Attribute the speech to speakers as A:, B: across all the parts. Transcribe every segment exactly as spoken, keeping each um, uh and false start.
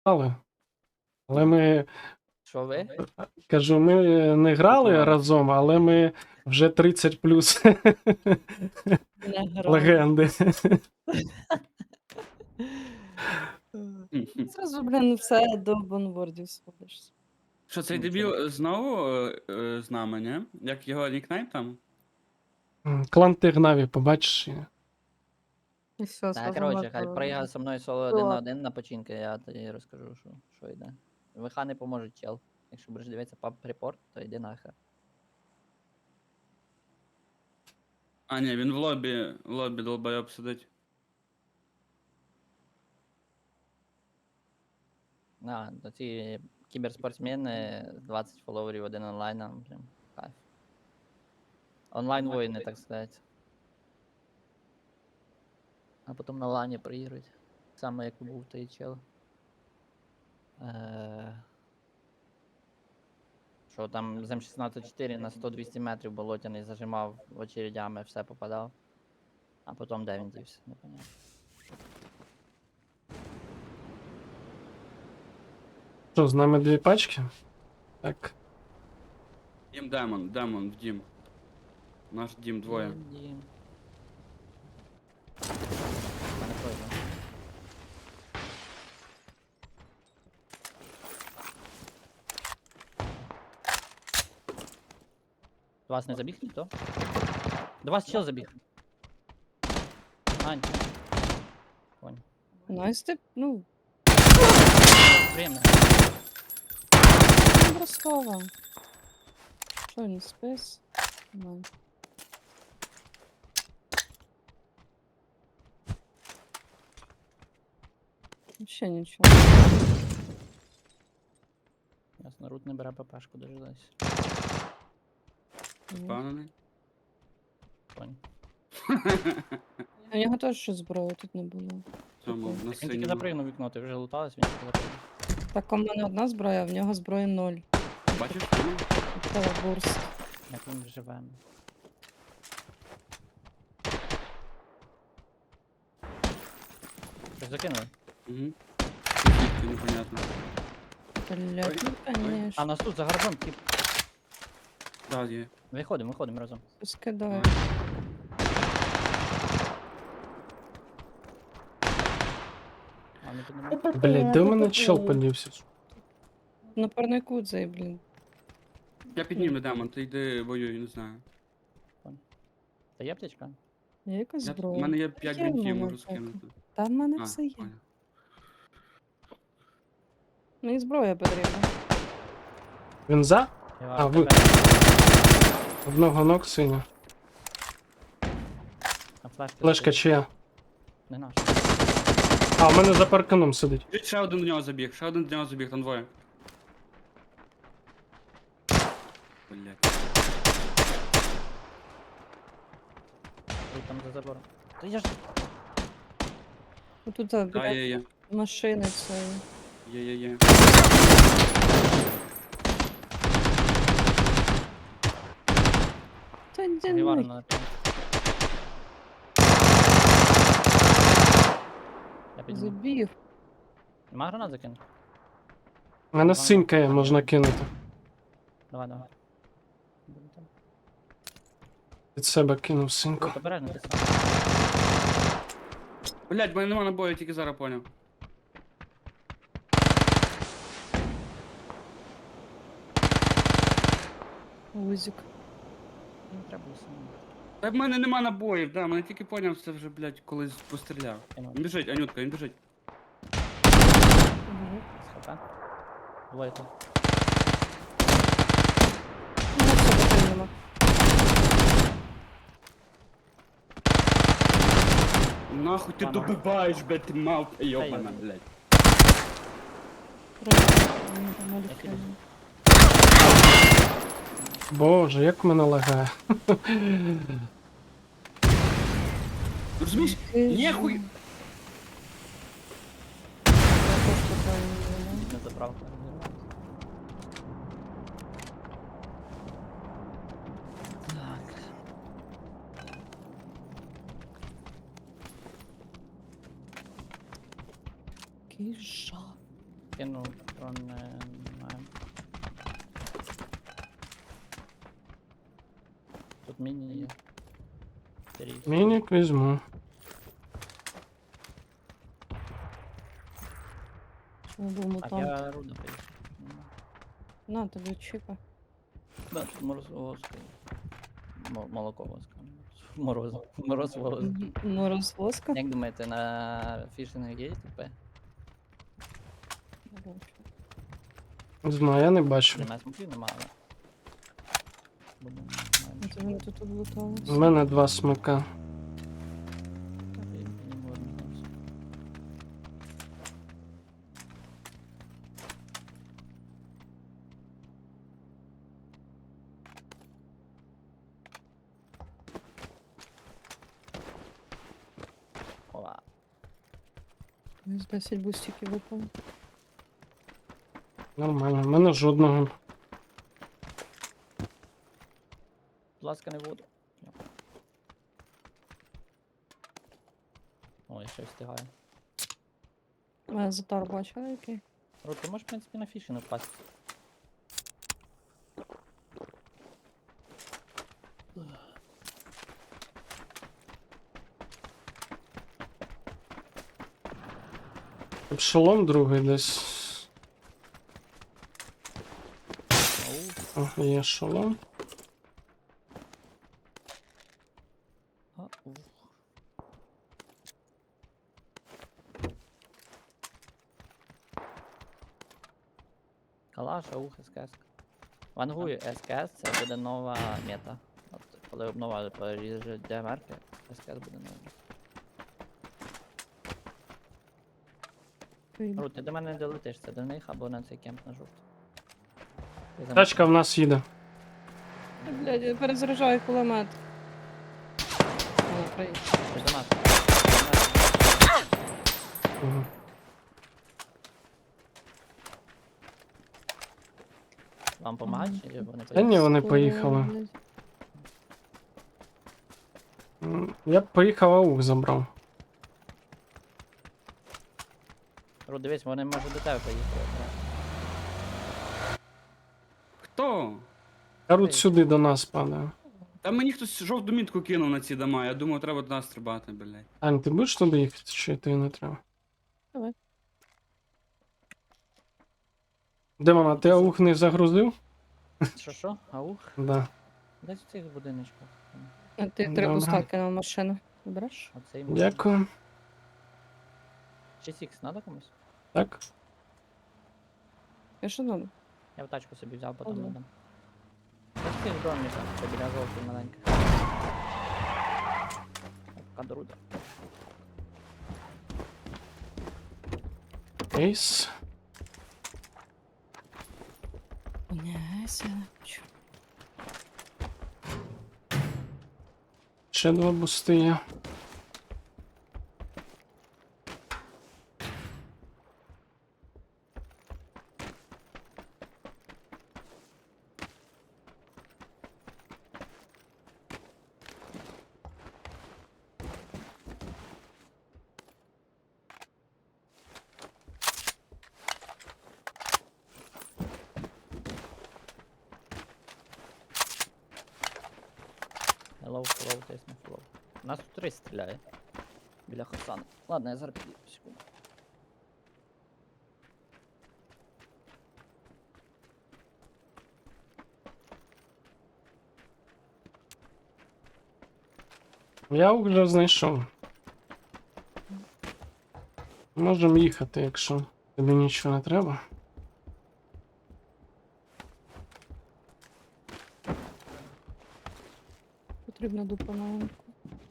A: грали. Але ми,
B: Що ви?
A: кажу, ми не грали
C: Готували.
A: разом, але ми вже тридцять плюс
D: Не грав.
A: легенди.
D: Зразу, блін, все до бонвордів сходишся.
C: Що, цей
B: Ну,
C: дебіл знову е, е, з нами, не? Як його нікнейм там?
A: Клан Тигнаві, побачиш.
D: І все,
B: Так, коротше, хай приїхав зі мною соло один на один на починки, я тоді розкажу, що, що йде. ВХ не поможе, чел. Якщо будеш дивитися паб репорт, то йди нахер.
C: А, ні, він в лобі, в лобі долбойоб сидить.
B: А, то ці кіберспортсмени, двадцять фоловерів, один онлайн, нам прям кайф. Онлайн воїни, так сказати. А потім на лані приїдуть. Саме як був той чел. Е... Що там з М шістнадцять чотири на сто-двісті метрів болотяний зажимав очередями, все попадав. А потім де він дівся, непонятно.
A: Що, з нами дві пачки? Так.
C: Дім демон, демон в дім. Наш дім двоє.
B: Дім. Мене пройде. До вас не забіг ніхто? До вас чел забіг. Ань. Конь.
D: Найс ти, ну,
B: Приємно.
D: Ростова. Що він спис? Ну. Ще нічого.
B: Ясно, рут не бере ППшку, дожилась.
D: Ні.
C: Впевнений?
B: Конь.
D: У нього теж щось зброї тут не було.
C: В Цьому, на
B: Він тільки
C: синьому.
B: запригнув вікно, ти вже луталась, він тільки запригнув.
D: Так, у мене одна зброя, а в нього зброї ноль.
C: Бачиш?
D: Це бурст.
B: Як він живе. Щось закинули?
C: Угу. Звідки, непонятно.
D: Блять, ну
B: А
D: конечно.
B: нас тут за гаражом, тип.
C: Да, є.
B: Виходимо, виходимо разом.
D: Скидаю.
B: А не піднімає.
A: Блять, де в мене чел подівся?
D: На парнику цей, блін.
C: Я підніму демон, ти йди воюй, не знаю.
B: Та є аптечка?
D: Є якась
C: Я, у
D: зброя?
C: мене є п'ять
D: Є в
C: бінтів,
D: мене
C: можу
D: так.
C: скинути.
D: Та в мене
C: А,
D: все є.
C: понял.
D: Мені зброя потрібна.
A: Він за?
B: Я
A: А, ви- Одного ног синя.
B: А флешка?
A: Флешка чия?
B: Не наш.
A: А, у мене за парканом сидить.
C: Біжить, ще один до нього забіг, ще один до нього забіг, там двоє. Блять.
B: Ой, там за забором. Та я ж...
D: Отут,
C: Да,
D: блядь,
C: є, є.
D: машини цієї.
C: Є, є, є.
D: Та йди
B: Гівару
D: нахуй.
B: на Я підніму.
D: Забіг.
B: Нема гранат закинути?
A: У мене синька є, можна кинути.
B: Давай, давай. Буде там.
A: Від себе кинув синьку.
B: Будь обережно, ти сам.
C: Блять, в мене нема набою, тільки зараз поняв.
D: Узик.
B: Не треба було самому.
C: Та в мене нема набоїв, да, мене тільки поняв, це вже, блять, колись постріляв.
B: Кинув.
C: Він біжить, Анютка, він біжить.
D: Угу.
B: З хп. Двоє тут.
D: Ну, все, поки нема.
C: Нахуй ти
B: Ладно.
C: добиваєш, блять, ти мав, йобана,
B: йди.
C: блять.
D: Мені там Олік
B: Я піду.
D: каже.
A: Боже, як мене лагає.
C: Розумієш?
D: Ти ж-
C: Ніхуй!
D: Я теж питаю, ну.
B: Не забрав. Так.
D: Який жах.
B: кинув, патрон не знаю. Тут міні є. Трійсь.
A: Мінік візьму.
D: Що був
B: Так,
D: мутант.
B: я руда поїхав. Нема.
D: На, тобі чіпа.
B: Да, тут мороз воска. Мо- Молоко воска. Мороз. Мороз воска.
D: М, Мороз воска.
B: Як думаєте, на фішинг є ТП?
A: Не знаю, я не бачу.
B: Немає смоків, немає. але- Думаю, немає
D: Це вони тут облутались.
A: У мене два смика.
B: Так, і- і можна там все. Ова.
D: З десять бустиків випало.
A: Нормально, в мене жодного.
B: Будь ласка, не воду. О, я ще встигаю.
D: А затар бачила який?
B: Рот, ти можеш, в принципі, на фіші напасти.
A: Шолом другий десь.
B: Ау.
A: О, є шолом.
B: А, ух. Калаш, аух, СКС. Вангую, СКС це буде нова мета. От, коли обнова поріже демерки, СКС буде нова.
D: Вийду.
B: Рут, ти до мене не долетиш, це до них або на цей кемп на жовтий. Ти за
A: Тачка в нас їде.
D: Блядь, я перезаряджаю кулемет. О, привіт.
B: Ти до нас.
A: Мгм.
B: Вам помагати чи вони
A: Та ні,
B: поїдуть?
A: вони
D: Скоро,
A: поїхали.
D: блядь.
A: М, Я б поїхав, аух забрав.
B: Рут, дивись, вони може до тебе поїхали.
C: Хто?
A: Карут
B: Ей.
A: сюди до нас падає.
C: Та мені хтось жовту мітку кинув на ці дома. Я думав, треба до нас стрибати, блядь.
A: Ань, ти будеш туди їхати, чи ти не треба?
D: Давай.
A: Демона, ти аух не загрузив?
B: Що що? Аух?
A: Да.
B: Десь в цих будиночках.
D: А ти три
A: Добре.
D: буста на машину. Береш?
B: Оцей можна.
A: Дякую.
B: Чи сікс надо комусь?
A: Так.
D: Я що надо?
B: Я в тачку собі взяв, потім
D: Ага.
B: надам. Та всі в домі там, це біля жовтої маленьких. Кадруда.
A: Ейс.
D: Не, сядь.
A: Ще два бусти є.
B: Hello, hello, тест на hello. У нас тут три стріляє. Біля Хасана. Ладно, я зараз підійду, секунду.
A: Я аух вже знайшов. Можемо їхати, якщо тобі нічого не треба.
D: Потрібна дупа маленьку.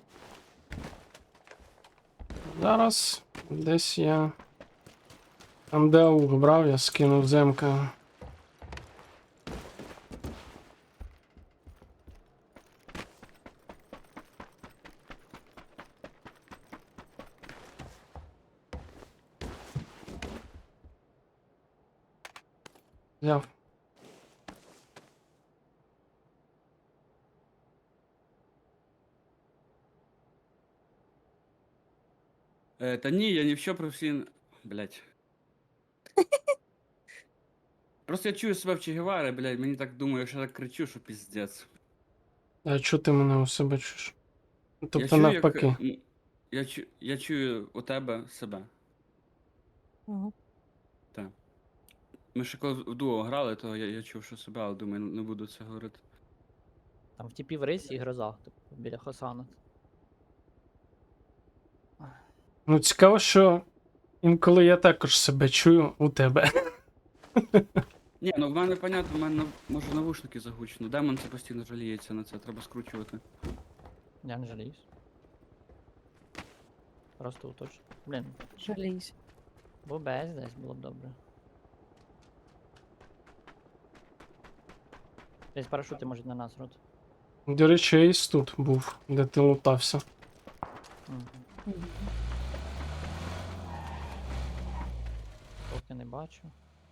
A: Зараз десь я. Там, де аух брав, я скинув земка. Взяв.
C: Е, та ні, я ні в що професійно. Блядь. Просто я чую себе в Че Гевари, блядь, мені так думаю, що я так кричу, що піздець.
A: А чого ти мене у себе чуєш?
C: Я
A: Тобто
C: чую,
A: навпаки.
C: Як, м, я, чу, я чую у тебе себе.
D: Ага.
C: Ми ще коли в дуо грали, то я, я чув, що себе, але думаю, не буду це говорити.
B: Там в тіпі в рейсі і гроза, типу, біля Хосана.
A: Ну, цікаво, що інколи я також себе чую у тебе.
C: Ні, ну в мене понятно, в мене нав- може навушники загучно. Демон це постійно жаліється на це, треба скручувати.
B: Я не жаліюсь. Просто уточно. Блін,
D: Жалійся.
B: бо без десь було б добре. Десь парашути можуть на нас рот.
A: До речі, Ейс тут був, де ти лутався.
B: Угу.
D: Мгм.
B: Поки не бачу.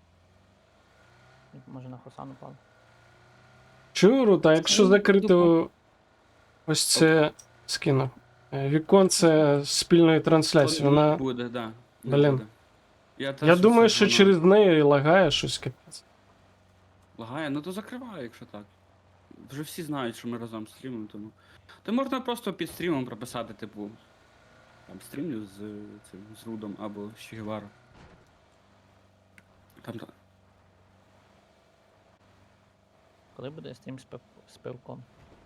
B: Він, може на Хосан упав.
A: Чую, Рут, а якщо
D: Це
A: закрити
D: дупа.
A: ось це скину. е, Віконце спільної трансляції,
C: То
A: вона.
C: не буде, да. Не
A: Блін.
C: буде. Я, теж
A: Я думаю,
C: це,
A: що
C: воно
A: через неї лагає щось капець.
C: Лагає, ну то закриваю, якщо так. Вже всі знають, що ми разом стрімимо, тому. То можна просто під стрімом прописати, типу. Там стрімлю з е, цим з Рудом або з Че Геваро. Там та-
B: Коли буде стрім з, пив... з пивком?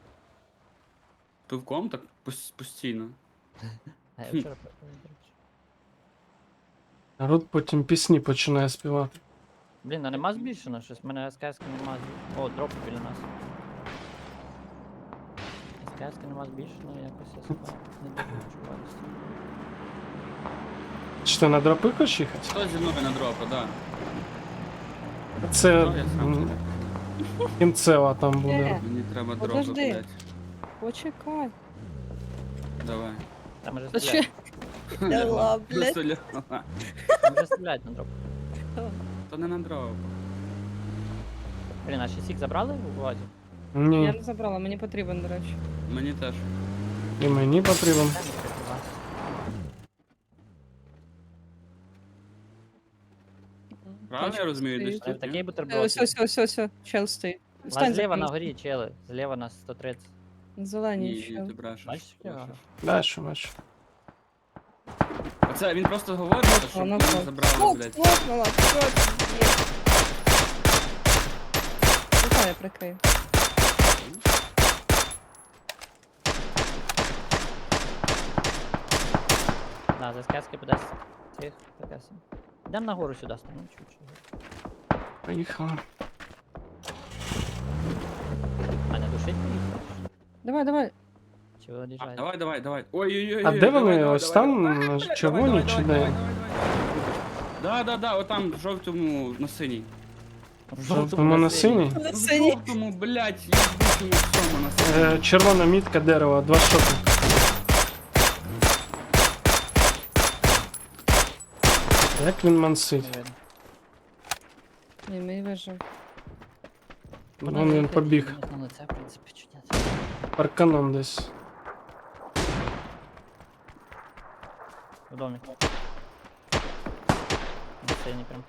C: пивком так пос- постійно.
B: А я вчора пив, до речі.
A: А Рут потім пісні починає співати.
B: Блін, а нема збільшено щось? У мене СКС нема збільшено. О, дроп біля нас. СКС нема збільшено, якось я себе не дуже відчуваю. з цим.
A: Чи ти на дропи хочеш їхати?
C: Хто зі мною на дропа, да.
A: Це
C: Ну, я сам
A: м,
C: туди.
A: кінцева там буде.
D: Е.
C: Мені треба дропа,
D: Подожди.
C: блядь.
D: Почекай.
C: Давай.
B: Там вже
D: Та
B: стріляють.
D: що? Ляла, блядь.
C: Просто ля-
B: Там вже стріляють на дроп.
C: То не на дроп.
B: Блін, а ще сік забрали у владі?
D: Я
A: Ні,
D: не забрала, мені потрібен, до речі.
C: Мені теж.
A: і мені потрібен.
B: Дай мені прикривати.
C: Правильно я розумію, десь
D: стоїть.
B: Але
C: тут?
B: такий
C: ні?
D: Ось,
B: бутерброд.
D: ось, ось, ось, ось, чел стоїть.
B: А
D: Стань
B: зліва на
D: за
B: горі, чели. Зліва на сто тридцять.
D: Зелені
C: Ні, ні,
D: чел.
C: ти брешеш.
B: Бачиш,
C: брешеш.
B: Фіга?
A: Бачу, бачу.
C: Оце він просто говорить, щоб
D: Воно
C: мене
D: так.
C: забрали,
D: Оп,
C: блядь.
D: лопнула, що ти є? Давай я прикрию.
B: Да, за сказки подасть цих таке сам. Йдемо нагору сюди станемо чуть-чуть.
A: Поїхали.
B: Аня, душить їх?
D: Давай, давай.
B: Чи
C: А,
B: виїжджають?
C: давай, давай, давай. Ой-ой-ой.
A: А де вони? Ось там на червоній чи де?
C: Да, да, да, отам в жовтому на синій.
B: В
A: Жовтому на синій?
D: На
C: В
D: синій.
C: жовтому, блядь, я в жовтому всьому на синій.
A: Е, червона мітка дерева, два шоти. Як він мансить?
B: Не видно.
D: Ні, мені вижив.
B: Вона
A: Вон він
B: летить,
A: побіг.
B: мені на лице, в принципі, чи ні.
A: Парканом десь.
B: В домі. На синій прям.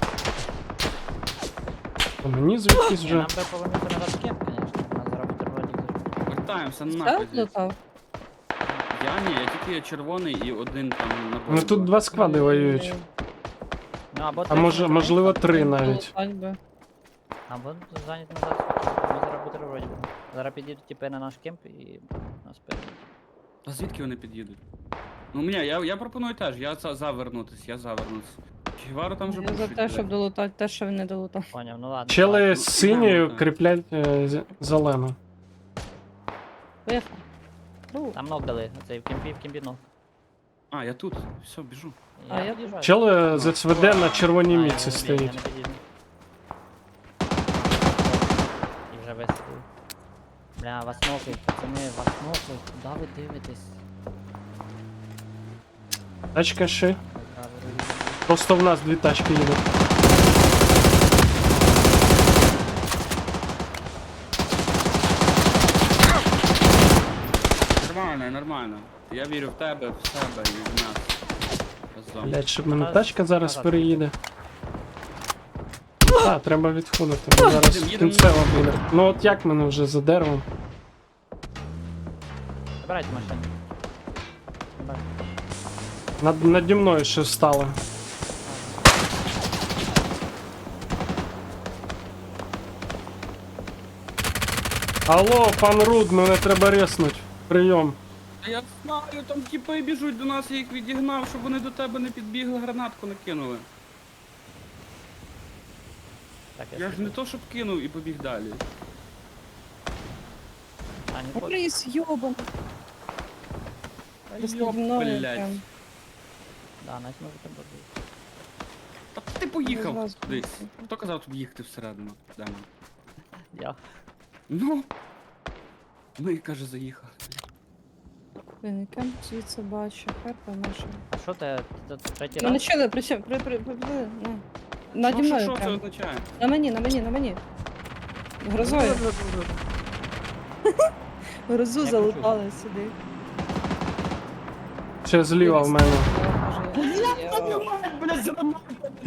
A: А мені звідкись
B: Ні,
A: вже.
B: нам би повернути на кемп, конечно. Нас зараз бутербродик зробити.
C: Вертаємося
D: Так,
C: нахуй. звідси.
D: лутав?
C: Я ні, я тільки червоний і один там на
A: Ну тут два склади воюють.
B: Ну, або
A: А
B: третій
A: може,
B: може
A: можливо,
B: бути,
A: три навіть.
D: Лутать би.
B: Або зайняти назад. Ми зараз бутербродик будемо. Зараз підійдуть типи на наш кемп і нас перейдуть.
C: А звідки вони під'їдуть? Ну ні, я, я пропоную теж, я за, завернутись, я завернусь. Чигвару там вже
D: Я за
C: пушить,
D: те,
C: блядь.
D: щоб долутати те, що він не долутав.
B: Поняв, ну ладно.
A: Чели
B: давай.
A: з синьою
C: так.
A: кріплять е, з- зелену.
D: Поїхав. Ну,
B: Там ног дали, оцей в кемпі, в кемпі ног.
C: А, я тут, все, біжу.
D: А, я
B: під'їжджаю.
A: Чели з СВД на червоній
B: А, я
A: мітці
B: не бій, я
A: стоїть.
B: не під'їду. І вже висадив. Бля, вас нокають, пацани, вас нокають. Куди ви дивитесь?
A: Тачка ще.
B: Ой, правий руль.
A: Просто в нас дві тачки їдуть.
C: Нормально, нормально. Я вірю в тебе, в себе і в нас. Разом.
A: Блять, щоб мене
B: Та
A: тачка зараз
B: назад
A: переїде. Так, треба відходити, бо зараз
C: Їдемо, їдемо.
A: кінцева буде. Ну от як мене вже за деревом?
B: Забирайте машину. Забирайте.
A: Над, наді мною ще стали. Алло, пан Руд, мене треба резнуть. Прийом.
C: Та я знаю, там тіпи біжуть до нас, я їх відігнав, щоб вони до тебе не підбігли, гранатку не кинули.
B: Так,
C: Я ж
B: собі-
C: не то, щоб кинув і побіг далі.
B: А, не хочу.
D: Рис, йобан.
C: Та
D: Просто
C: йоп,
D: мною
C: блядь.
D: прям.
B: Да, навіть може тебе бути.
C: Та ти поїхав
D: Зразу
C: кудись.
D: поїхав.
C: Хто казав тобі їхати всередину? Демон?
B: Я.
C: Ну. Ми, каже, заїхали.
D: Блін, яке звідси бачу, харпа наша.
B: А що ти, ти, ти третій
D: Мене
B: раз?
D: чули, при чому? При, при, при, при, на. Наді
C: Що, що,
D: мною
C: що це
D: прям.
C: означає?
D: На мені, на мені, на мені. Грозою. Грозу
B: Я
D: залутали сюди.
A: Ще зліва в мене.
C: Блядь, за нами,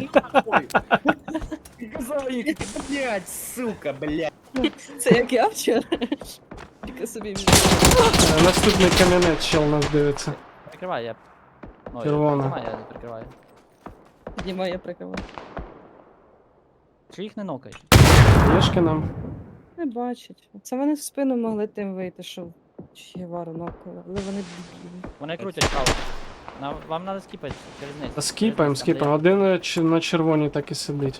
C: казав їх.
E: Блять, сука, блять.
D: Це як я вчора. Тільки собі між.
A: Е, Наступний камінець ще у нас дивиться.
B: Прикривай, я. Ну,
A: Червона.
B: Я, піднімаю, я прикриваю.
D: Піднімаю, я прикриваю.
B: Чи їх не нокаєш?
A: Єшки нам.
D: Не бачать. Це вони в спину могли тим вийти, що Чігевару нокали, але вони дебілі.
B: Вони крутять каву. На, вам треба скіпати через низ.
A: Та скіпаємо,
B: Через низ, там, де
A: скіпаємо. Один е, чи- на червоній так і сидить.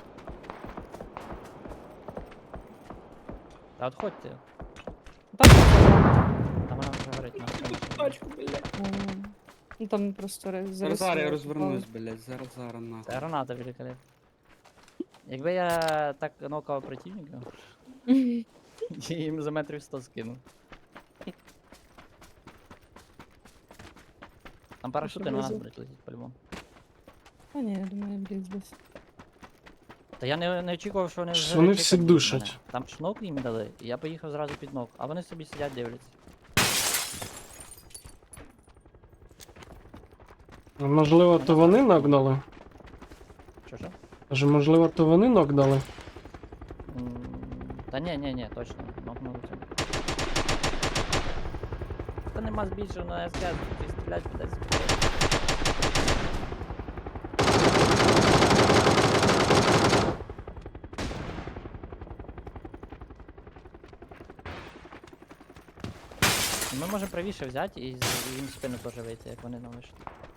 B: я- Та отходьте.
D: Там,
B: Там вона вже горить на спину.
C: Тачку, блядь.
D: м, ну там просто ре-
C: Зараз зараз я
D: зарисували.
C: розвернусь, блядь, зараз зараз
B: Це
C: нахуй.
B: граната великолепна. Якби я так нокав противника, я їм за метрів сто скинув. Там парашути на нас,
D: Приблизно.
B: блядь, летить по-любому.
D: А ні, я думаю, блін, десь.
B: Та я не, не очікував, що вони
A: Що
B: вже
A: вони
B: чекають
A: всі
B: мене.
A: душать.
B: Там шнок їм дали, і я поїхав зразу під ног, а вони собі сидять дивляться.
A: Можливо, то вони нокдали?
B: Що що?
A: Каже, можливо, то вони нокдали?
B: М, Та ні, ні, ні, точно, нокнули цьому. Та нема збільшого на СК, ти стрілять кудись. Ми можемо правіше взяти і з- їм в спину теж вийти, як вони нам вийшли.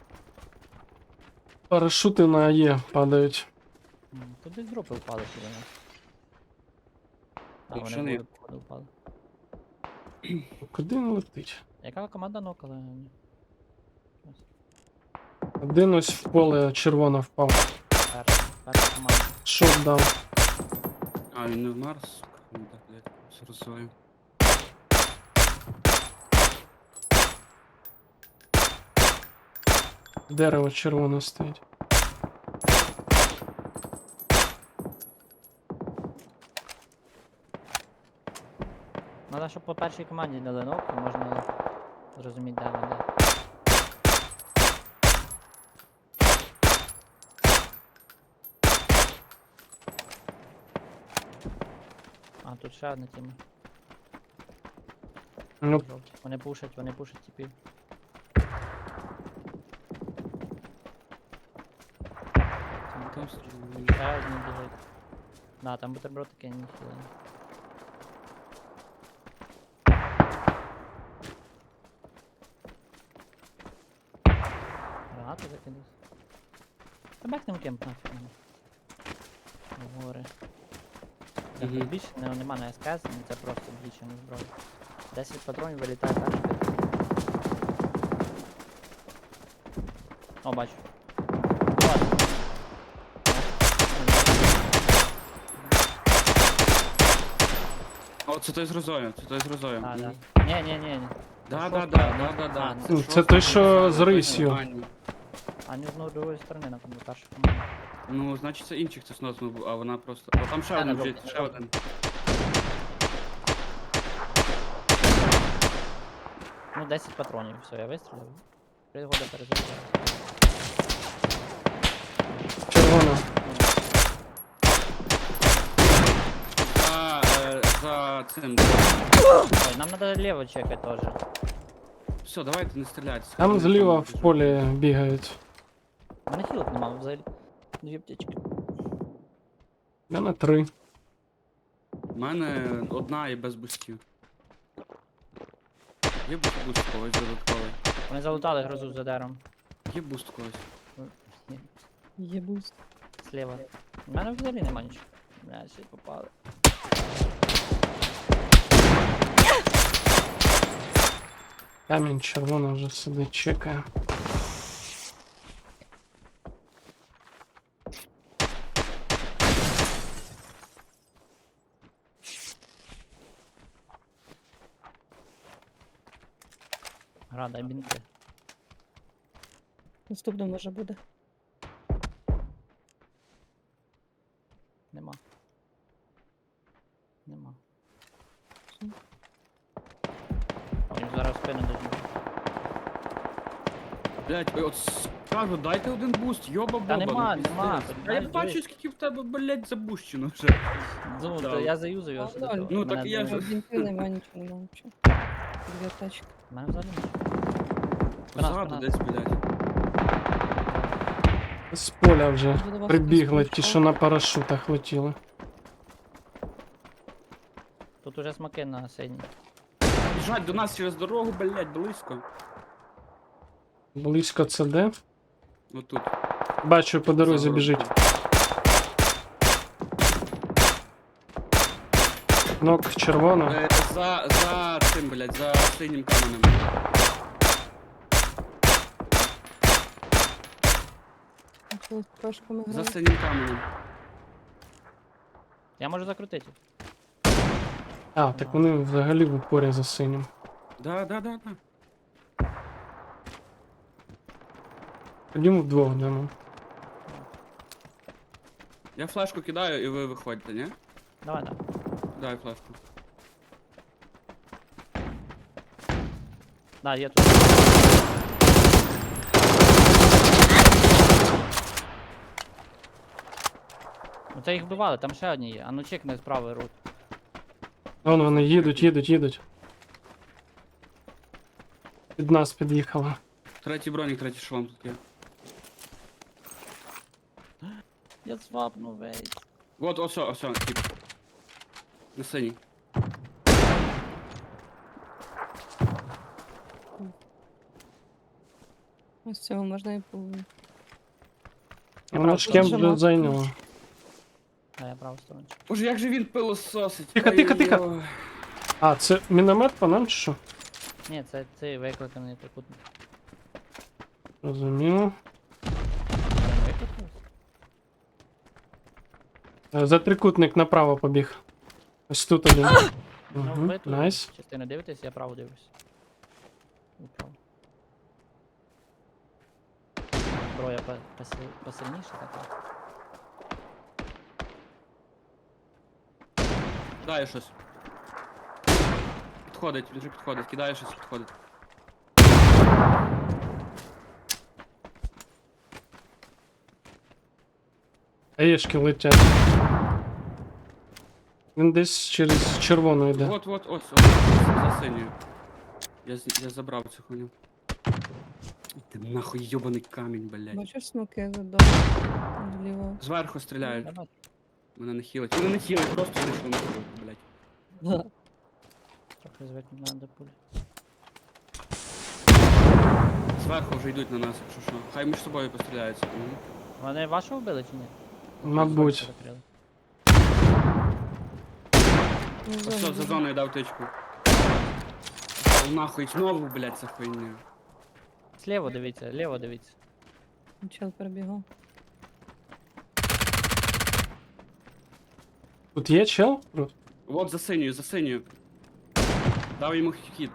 A: Парашути на Є падають.
B: М, Тут десь дропи впали сюди нас. А,
C: Якщо
B: вони
C: не-
B: були, походу, впали.
A: Куди він летить?
B: Яка команда нокала? Ні.
A: Один ось в поле червоно впав.
B: Перша, перша команда.
A: Шот дав.
C: А, він не вмер, сука. Ну так, блядь, все розсуваю.
A: Дерево червоне стоїть.
B: Надо, щоб по першій команді дали ногу, можна зрозуміти, де вони. А, тут ще одна тіма.
A: Ну,
B: Жовті. Вони пушать, вони пушать типів.
C: Там стріляю.
B: Ще одні біжить. Да, там бутерброд такий не хілений. Гранати закидав. Та бахнем кемп нафіг мене. В гори. Це
C: Мгм.
B: тут більше не, нема на СКС, ну це просто блічена зброя. десять патронів вилітає так, що... О, бачу. Ладно.
C: О, це той з розою, це той з розою.
B: А,
C: Мгм.
B: да. Ні, ні, ні, ні.
C: Да,
B: Це
C: да,
B: шостка,
C: да,
B: ні?
C: да, да, да.
B: А,
A: Ну, це
C: шостка,
A: той, що
C: це
A: з рисью.
C: Аню.
B: А не з другої сторони, напевно, перша команда.
C: Ну, значить це інших це снос був, а вона просто. О, там ще
B: Та,
C: один
B: на
C: біжить,
B: жовтій,
C: ще
B: на
C: один.
B: Ну, десять патронів, все, я вистрілив. Пригода перезаряджаю.
A: червона.
C: за цим.
B: Ой, нам надо лево чекать тоже.
C: Все, давайте не стріляйте.
A: Там зліва в полі бігають.
B: У мене хілок нема взагалі. Дві аптечки.
A: У мене три.
C: У мене одна і без бустів. Є буст буст когось додатковий.
B: Вони залутали грозу за дером.
C: Є буст когось.
D: Є буст.
B: Слева. У мене взагалі нема нічого. Бля, ще й попали.
A: Камінь червоний вже сидить, чекає.
B: Гра, дай бінти.
D: Наступно може буде.
B: Нема. Нема.
D: Все.
B: А він зараз в спину дадуть.
C: Блять, от скажу, дайте один буст, йоба боба.
B: Та нема,
C: ну,
B: нема,
C: пиздець.
B: понімаєш,
C: А я бачу,
B: дивись.
C: скільки в тебе, блять, запущено вже.
B: Ну,
C: Да.
B: то я заюзав його
D: А,
B: сюди.
D: ноль.
B: то
C: Ну,
B: мене
C: так і я
B: дуже-
C: ж-
D: Бінти нема, нічого нема, нічого. Дві тачки.
B: У мене взагалі нічого. Спина,
C: Позаду
B: спина.
C: десь, блять.
A: З поля вже
D: Вже до вас
A: прибігли,
D: хтось
A: ті,
D: прийшов.
A: що на парашутах летіли.
B: Тут уже смоки на синій.
C: Біжать до нас через дорогу, блять, близько.
A: Близько це де?
C: Отут.
A: Бачу, по дорозі
C: За
A: біжить.
C: городком.
A: Нок червона.
C: Е, За, за цим, блять, за синім каменем.
D: Коли з пашками
C: За
D: грають.
C: синім каменем.
B: Я можу закрутити.
A: А, так вони взагалі в упорі за синім.
C: Да, да, да, да.
A: Ходімо вдвох дамо.
C: Я флешку кидаю і ви виходите, ні?
B: Давай, давай.
C: Дай флешку.
B: Да, є тут. Ну це їх вбивали, там ще одні є. А ну чекни з правої рут.
A: Вон вони їдуть, їдуть, їдуть. Під нас під'їхала.
C: Третій бронік, третій шолом тут є.
B: Я свапну весь.
C: Вот, ось, ось, ось, тип. На синій.
D: Ось цього можна і по...
A: Вона ж кем вже
D: Нажимати.
A: зайняла.
B: Да, я праву сторону.
C: Боже, як же він пилососить.
A: Тихо, тихо, тихо.
C: Ой-ой-ой.
A: А, це міномет по нам чи що?
B: Ні, це цей викликаний трикутник.
A: Розуміло.
B: Він викликався?
A: Е, За трикутник направо побіг. Ось тут один.
B: Ну,
A: Угу,
B: ви тут
A: найс.
B: частину дивитесь, я право дивлюсь. Ви право. Зброя по- посил- посильніша така.
C: Кидає щось. Підходить, він вже підходить, кидає щось, підходить.
A: Аєшки летять. Він десь через червону йде.
C: От, от, ось, ось, за синьою. Я, з- я забрав цю хуйню. Ти нахуй йобаний камінь, блядь.
D: Бачиш смоки задовго? Зліва.
C: Зверху стріляють.
B: Я бачу.
C: Мене не хілить. Мене не хілить, просто вийшло на хілить, блядь.
B: Трохи звикнути надо пулі.
C: Зверху вже йдуть на нас, якщо що. Хай між собою постріляються. Мгм.
B: Вони вашого вбили чи ні?
A: Мабуть.
B: Закрили.
D: Ну,
C: Ось все,
D: зона
C: за
D: буде.
C: зоною дав тичку. О, нахуй, знову, блядь, ця хуйня.
B: Слева дивіться, ліво дивіться.
D: Чел перебігав.
A: Тут є чел?
C: От за синьою, за синьою. Дав йому хід.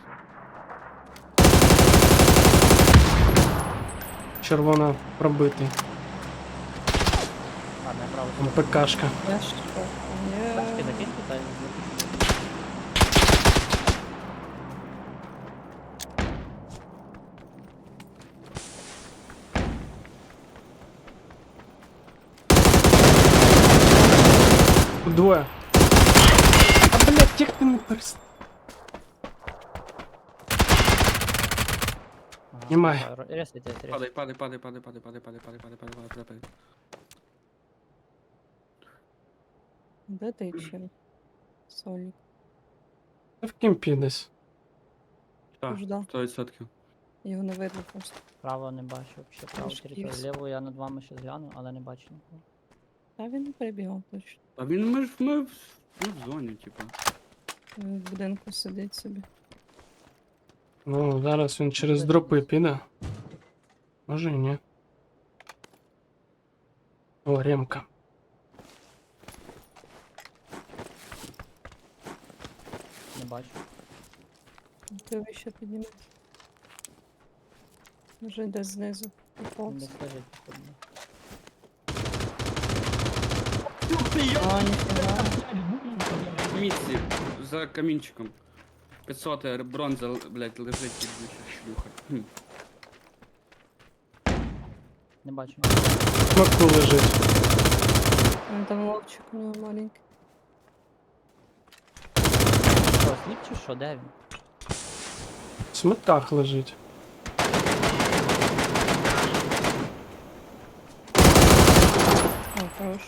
A: Червона пробитий.
B: Ладно, я право
A: Там
B: сторону.
A: ПКшка.
D: Я що? Є.
B: Бачки закинь тут,
A: Тут двоє. А, блядь. Як ти не перест...
B: Ага,
A: Немає.
B: ро- Ресайте, ресайте.
C: Падай, падай, падай, падай, падай, падай, падай, падай, падай, падай, падай, падай, падай.
D: Де ти чим? Сольник.
A: В кімпі десь.
C: Так,
D: Ждав.
C: сто відсотків.
D: Його не видно просто.
B: Право не бачу, взагалі право
D: Трошки
B: територію.
D: є.
B: Ліву я над вами ще згляну, але не бачу нікого.
D: Та він не перебігав точно.
C: А він ми ж ми, в- ми в зоні, типу.
D: Він в будинку сидить собі.
A: Ну, зараз він через дропи піде. Може і ні. О, ремка.
B: Не бачу.
D: Ти вище підніме. Може йде знизу.
B: Він
D: Поповз.
B: десь лежить походу.
D: А, ніфіга.
C: В місці, за камінчиком. п'ятсот бронза, блядь, лежить під шлюха. Хм.
B: Не бачу.
A: Смаку лежить.
D: Він там ловчик у нього маленький.
B: Що, сліп чи що? Де він?
A: В смиках лежить.
D: О, хорош.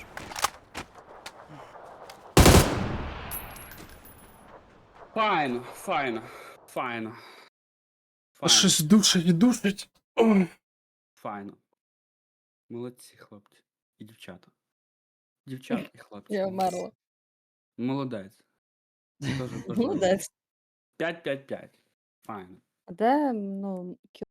C: Файно, файно, файно.
A: А
C: Файно,
A: щось душить, душить. Ой.
C: файно. Молодці, хлопці. І дівчата. Дівчата і хлопці.
D: Я вмерла.
C: Молодець. Дуже
D: Молодець.
C: п'ять п'ять п'ять. Файно.
D: А де, ну,